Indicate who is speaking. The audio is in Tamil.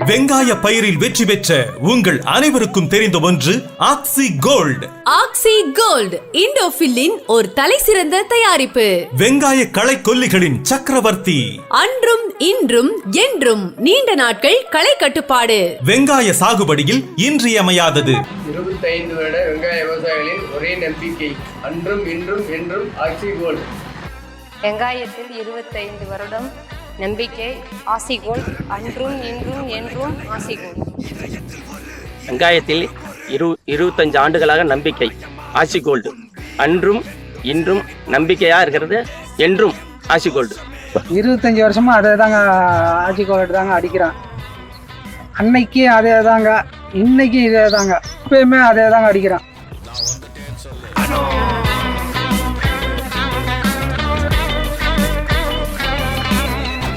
Speaker 1: வெங்காய பயிரில் வெற்றி பெற்ற உங்கள் அனைவருக்கும் தெரிந்த ஒன்று ஆக்சி கோல்ட்.
Speaker 2: ஆக்சி கோல்ட் இண்டோஃபில்லின் ஒரு தலை சிறந்த தயாரிப்பு.
Speaker 1: வெங்காய களை கொல்லிகளின் சக்கரவர்த்தி.
Speaker 2: அன்றும் இன்றும் என்றும் நீண்ட நாட்கள் களை கட்டுப்பாடு.
Speaker 1: வெங்காய சாகுபடியில் இன்றியமையாதது.
Speaker 3: 25 வருட வெங்காய விவசாயிகளின் ஒரே நம்பிக்கை அன்றும் இன்றும் என்றும் ஆக்சி கோல்ட்.
Speaker 4: வெங்காயத்தில் 25 வருடம் நம்பிக்கை ஆசி கோல்ட். அன்றும் இன்றும் என்றும் ஆசி கோல்ட்.
Speaker 5: வெங்காயத்தில் 25 ஆண்டுகளாக நம்பிக்கை ஆசி கோல்டு. அன்றும் இன்றும் நம்பிக்கையாக இருக்கிறது, என்றும் ஆசி கோல்டு.
Speaker 6: 25 வருஷமா அதே தாங்க ஆசி கோல்டு தாங்க அடிக்கிறான். அன்னைக்கு அதே தாங்க, இன்னைக்கு இதே தாங்க, எப்பயுமே அதே தாங்க அடிக்கிறான்.